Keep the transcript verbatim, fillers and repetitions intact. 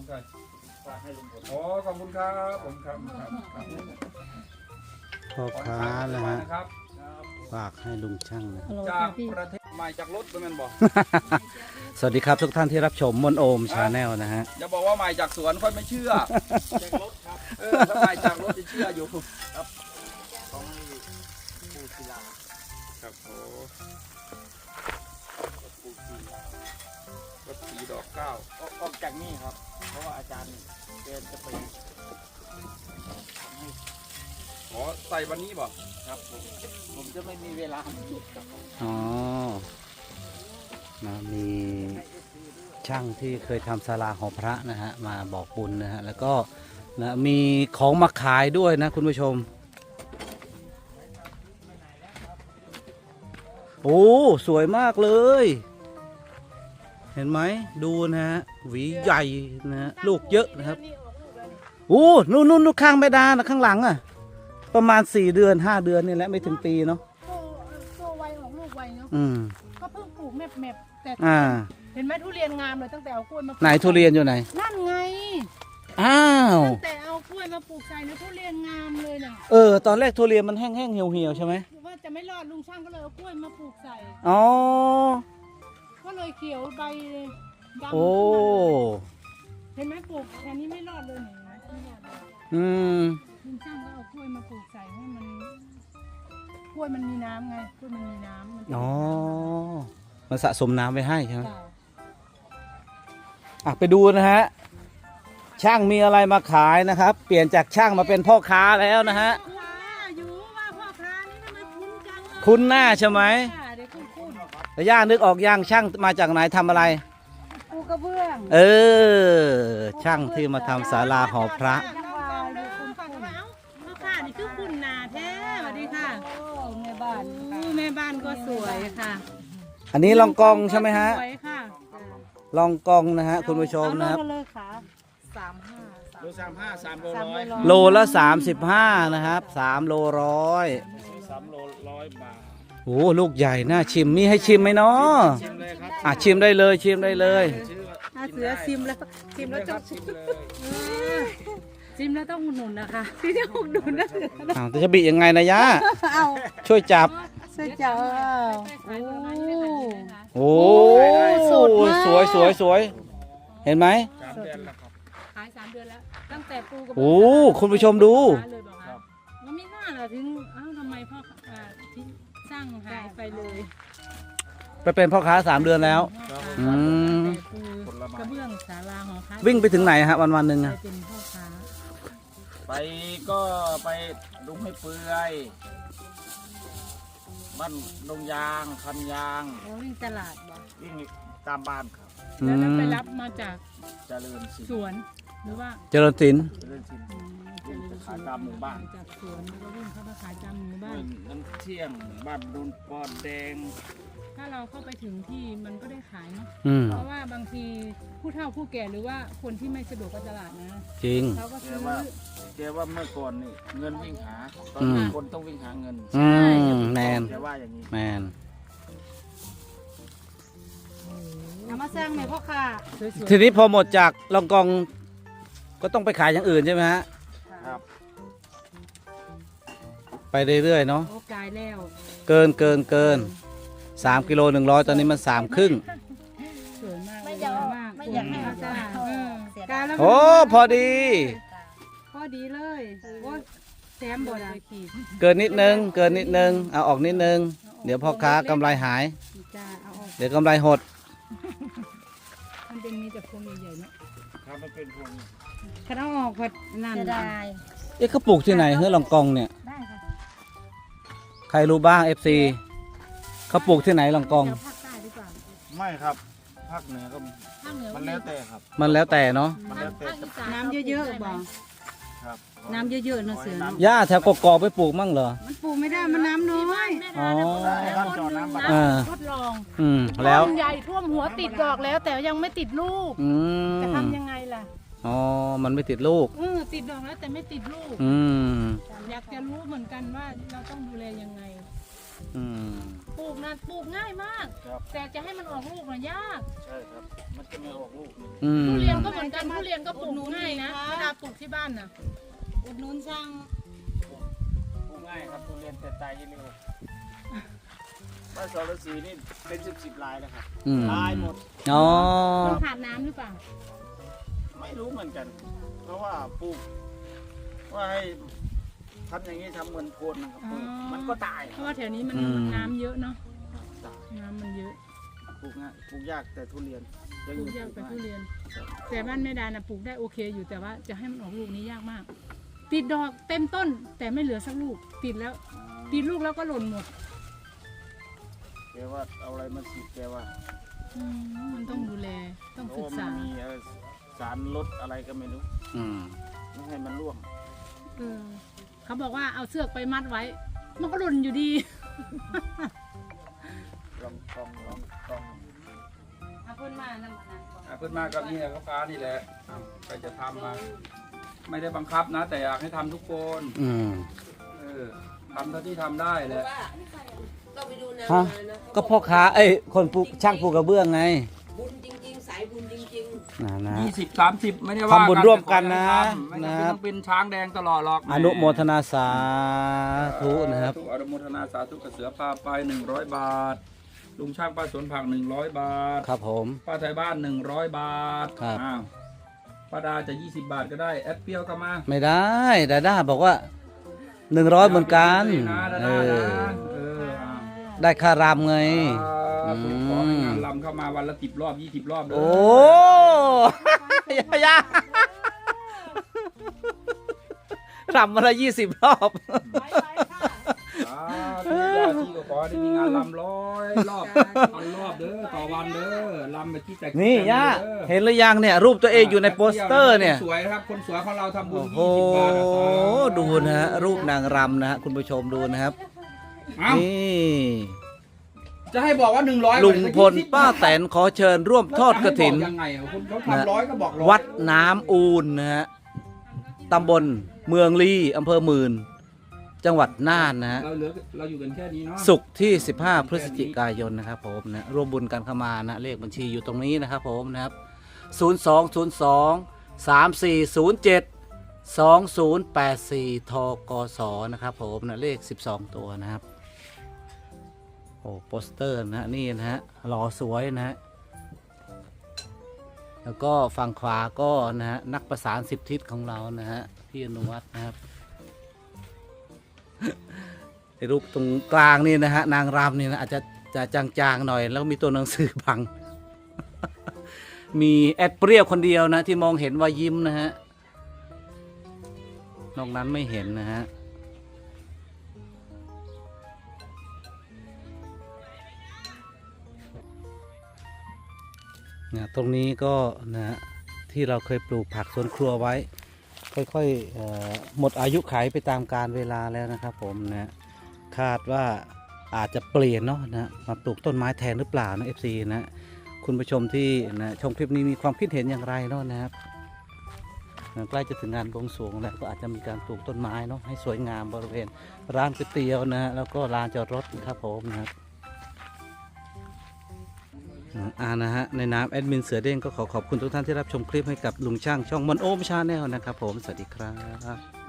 ใช่ฝากให้ลุงพลอ๋อขอบคุณครับผมครับครับครับพ่อค้านะฮะนะครับฝากให้ลุงช่างนะจากประเทศใหม่จากรถเป็นมันบอกสวัสดีครับทุกท่านที่รับชมมนโอมชาแนลนะฮะอย่าบอกว่าใหม่จากสวนค่อยไม่เชื่อจากรถครับเออถ้าใหม่จากรถจะเชื่ออยู่ครับของปูศิลาครับโอ้ปูศิลารถสีดอกเก้าออกจากนี่ครับเพราะว่าอาจารย์เกณฑ์จะไปขอใส่วันนี้บ่ครับผมผมจะไม่มีเวลาจุดครับอ๋อนะมีช่างที่เคยทำศาลาหอพระนะฮะมาบอกบุญนะฮะแล้วก็นะมีของมาขายด้วยนะคุณผู้ชมโอ้สวยมากเลย เห็นไหมดูนะฮะหวีใหญ่นะฮะลูกเยอะนะครับโอ้นู่นนู่นนู่นข้างแม่ดานะข้างหลังอ่ะประมาณสี่เดือนห้าเดือนนี่แหละไม่ถึงปีเนาะตัวไวของลูกไวเนาะอืมก็เพิ่งปลูกแมบแมบแต่อ่าเห็นไหมทุเรียนงามเลยตั้งแต่เอากล้วยมาปลูกไหนทุเรียนอยู่ไหนนั่นไงอ้าวตั้งแต่เอากล้วยมาปลูกใส่นะทุเรียนงามเลยน่ะเออตอนแรกทุเรียนมันแห้งๆเหี่ยวๆใช่ไหมว่าจะไม่รอดลุงช่างก็เลยเอากล้วยมาปลูกใส่อ๋อก็เลยเขียวใบเลยดำโอ้เห็นไหมปลูกแค่นี้ไม่รอดเลยเห็นไหมไม่รอดเลยอืมลุงช่างก็เอากล้วยมาปลูกใส่ให้มันกล้วยมันมีน้ำไงกล้วยมันมีน้ำมันจะอ๋อมันสะสมน้ำไว้ให้ใช่ไหมจ้ะอ่ะไปดูนะฮะช่างมีอะไรมาขายนะครับ เปลี่ยนจากช่างมาเป็นพ่อค้าแล้วนะฮะพ่อค้าอยู่ว่าพ่อค้านี่ทำไมคุ้นจังเลยคุ้นหน้าใช่ไหมค่ะเดี๋ยวคุ้นคุ้นแต่ย่านึกออกย่างช่างมาจากไหนทำอะไรปูกระเบื้องเออ ช่างที่มาทำศาลาหอพระจังหวะอยู่คุณคุณเอ้าพ่อค้านี่คือคุณนาแท้สวัสดีค่ะแม่บ้านแม่บ้านก็สวยค่ะอันนี้ลองกองใช่ไหมฮะสวยค่ะลองกองนะฮะคุณผู้ชมนะครับเอาเลยค่ะสามห้าโลสามห้าสามโลสามร้อยร้อยโลละสามสิบห้านะครับสามโลร้อยสามโลร้อยบาทโอ้ลูกใหญ่น่าชิมมีให้ชิมไหมเนาะชิมเลยครับอ่ะชิมได้เลยชิมได้เลยชื่อถ้าเสือซิมแล้วซิมแล้วต้องชิมเลยซิมแล้วต้องอุดหนุนนะคะที่จะอุดหนุนนะอ้าวแต่จะบียังไงนะย่าเอาช่วยจับเสื้อเจ้าโอ้โอ้สดมากสวยสวยสวยเห็นไหมสามเดือนแล้วครับขายสามเดือนแล้ว ตั้งแต่ปูกระโอ้คุณผู้ชมดูเลยบอกว่าแล้วไม่น่าล่ะถึงเอ้าทำไมพ่ออ่าที่สร้างหายไปเลยไปเป็นพ่อค้าสามเดือนแล้ว อืมแต่ปูกระเบื้องศาลาหอพักวิ่งไปถึงไหนฮะวันวันหนึ่งไปอะเป็นพ่อค้าไปก็ไปดุงให้เปื่อยบ้านดงยางคันยางแล้ววิ่งตลาดบ่วิ่งตามบ้านครับอืแล้วเราไปมรับมาจากเจริญสินสวนหรือว่าเจริญศิลป์เจริญสินอืมวิ่งไปขายตามหมู่บ้านจากสวนแล้วก็วิ่งเข้ามาขายตามหมู่บ้านน้ำเที่ยงบ้านดุนปอนแดงถ้าเราเข้าไปถึงที่มันก็ได้ขายเนาะอืมเพราะว่าบางทีผู้เฒ่าผู้แก่หรือว่าคนที่ไม่สะดวกกับตลาดนะจริงเขาก็แกซื้อว่าแกว่าเมื่อก่อนนี่เงินวิ่งหาตอนอืนี้มคนต้องวิ่งหาเงินอืมแมนแกว่าอย่างนี้แมนเอามาสร้างไหมพ่อค่ะสวยทีนี้พอหมดจากลองกองก็ต้องไปขายอย่างอื่นใช่ไหมฮะครับไปเรื่อยๆเนาะๆโอ้กายแล้วเกินเกินเกินสามกิโลหนึ่งร้อยตอนนี้มันสามครึ่งสวยมากไม่อยากสวยมากไม่อยากให้สวยมากเอาเออเสียดายกายแล้วโอ้พอดีพอดีเลยโอ้แซมบดอะขีดเกินนิดนึง เกินนิดนึง เอาออกนิดนึง เดี๋ยวพ่อค้ากำไรหายจ้าเอาออกเดี๋ยวกำไรหดมันเป็นมีแต่พวงใหญ่ๆเนาะครับมันเป็นพวงคันเอาออกพัดนั่นเสียดายเอ๊ะเขาปลูกที่ไหนเฮ้ยลองกองเนี่ยได้ค่ะใครรู้บ้าง เอฟ ซี เขาปลูกที่ไหนลองกองเดี๋ยวภาคใต้ดีกว่าไม่ครับภาคเหนือก็ภาคเหนือมันแล้วแต่ครับมันแล้วแต่เนาะมันแล้วแต่จะน้ำเยอะๆบ่ครับน้ำเยอะๆเนาะเสือเนาะหญ้าแถวกกอกไปปลูกมั่งเหรอมันปลูกไม่ได้มันน้ำน้อยอ๋อบ้านจอน้ำบ้านอ่าทดลองอืม แล้วต้นใหญ่ท่วมหัวติดดอกแล้ว แต่ยังไม่ติดลูกอืจะมทำยังไงล่ะอ๋อ มันไม่ติดลูกเออติดดอกแล้วแต่ไม่ติดลูกอืมอยากจะรู้เหมือนกันว่าเราต้องดูแลยังไงอืมปลูกนะปลูกง่ายมากครับแต่จะให้มันออกลูกน่ะยากใช่ครับมันจะไม่ออกลูกนี่อืมทุเรียนก็เหมือนกันทุเรียนก็ปลูกง่ายนะเวลาปลูกที่บ้านน่ะอุดหนุนช่างปลูกง่ายครับทุเรียนแต่ตายเร็วบ้านสรศรีนี่เป็นสิบสิบลายแล้วครับอืมลายหมดอ๋อมันขาดน้ำหรือเปล่าไม่รู้เหมือนกัน เพราะว่าปลูกว่าให้ทำอย่างนี้ทำเหมือนโคนนะครับปลูกมันก็ตายเพราะว่าแถวนี้มันอืมน้ำเยอะเนาะตายน้ำมันเยอะปลูกง่ายปลูกยากแต่ทุเรียนปลูกยากไปทุเรียน แต่บ้านแม่ดาน่ะปลูกได้โอเคอยู่แต่ว่าจะให้มันออกลูกนี้ยากมาก ติดดอกเต็มต้นแต่ไม่เหลือสักลูกติดแล้วติดลูกแล้วก็หล่นหมดแกว่าเอาอะไรมาฉีดแกว่าอืมมันต้องดูแลต้องเพศึราะกว่ามันษามีเอ่อสารลดอะไรก็ไม่รู้อืมไม่ให้มันร่วงเออเขาบอกว่าเอาเสือกไปมัดไว้ มันก็หล่นอยู่ดีลองลองลองลองเอาเพิ่นมานำอันนั้นก่อนอ่ะเพิ่นมากับนี่แหละเขาฟ้านี่แหละอ้าวใครจะทำมา ไม่ได้บังคับนะ แต่อยากให้ทำทุกคนอืมเออทำเท่าที่ทำได้แหละก็ไปดูแนวฮะมานะก็พ่อค้าเอ้ยคนปลูกช่างปลูกกระเบื้องไงบุญจริงๆ สายบุญจริงนะนะยี่สิบสามสิบไม่ได้ว่าทำบุญร่วมกันนะไม่นะจำเป็นต้องเป็นช้างแดงตลอดหรอกอนุโมทนาสาธุนะครับอนุโมทนาสาธุกระเสือพาไปหนึ่งร้อยบาท ลุงช่างป้าสวนผักหนึ่งร้อยบาทครับผมป้าไทยบ้านหนึ่งร้อยบาทครับอ้าวป้าดาจะยี่สิบบาทก็ได้แอดเปรี้ยวก็มาไม่ได้ดาด้าบอกว่าหนึ่งร้อยเหมือนกันนะดาเอดาอนะเอออ้าวได้ค่ารำไงอ่าอืมขอให้งานลำเข้ามาวันละสิบรอบยี่สิบรอบเลยโอ้ ยายารำมาละยี่สิบรอบไปไปค่ะอ่าทุกญาติก็ขอให้ได้มีงานลำร้อยรอบพันรอบเด้อต่อวันเด้อลำไปที่แตกนี่ย่าเด้อเห็นหรือยังเนี่ย รูปตัวเองอยู่ในโปสเตอร์เนี่ยคนสวยครับคนสวยของเราทำบุญโอ้โหยี่สิบบาทนะครัดูนะฮะรูปนางรำนะฮะคุณผู้ชมดูนะครับเอ้านี่จะให้บอกว่าหนึ่งร้อยลุงพลป้าแตนขอเชิญร่วมทอดกฐินยังไงอ่ะคุณเขาทำร้อยก็บอกร้อยวัดน้ำอูนนะฮะตำบลเมืองลีอำเภอหมื่น จังหวัดน่านนะฮะเราเหลือเราอยู่กันแค่นี้เนาะศุกร์ที่สิบห้าพฤศจิกายนนะครับผมนะร่วมบุญกันเข้ามานะเลขบัญชีอยู่ตรงนี้นะครับผมนะครับศูนย์ สอง ศูนย์ สอง สาม สี่ ศูนย์ เจ็ด สอง ศูนย์ แปด สี่ ทกสนะครับผมนะเลขสิบสองตัวนะครับโอ้โปสเตอร์นะฮะนี่นะฮะหล่อสวยนะฮะแล้วก็ฝั่งขวาก็นะฮะนักประสานสิบทิศของเรานะฮะพี่อนุวัฒน์นะครับ ไอ้รูปตรงกลางนี่นะฮะนางรำนี่นะอาจจะจะจางๆหน่อย แล้วมีตัวหนังสือบัง มีแอดเปรี้ยวคนเดียวนะที่มองเห็นว่ายิ้มนะฮะนอกนั้นไม่เห็นนะฮะนะตรงนี้ก็นะฮะที่เราเคยปลูกผักสวนครัวไว้ ค่อยๆเอ่อหมดอายุขัยไปตามกาลเวลาแล้วนะครับผมนะคาดว่าอาจจะเปลี่ยนเนาะนะมาปลูกต้นไม้แทนหรือเปล่านะ เอฟ ซี นะคุณผู้ชมที่นะชมคลิปนี้มีความคิดเห็นอย่างไรเนาะนะครับนะใกล้จะถึงงานบวงสรวงแล้วก็อาจจะมีการปลูกต้นไม้เนาะให้สวยงามบริเวณร้านก๋วยเตี๋ยวนะฮะแล้วก็ลานจอดรถนะครับผมนะครับอ่านะฮะในนามแอดมินเสือเด้งก็ขอขอบคุณทุกท่านที่รับชมคลิปให้กับลุงช่างช่องมอนโอมชาแนลนะครับผมสวัสดีครับ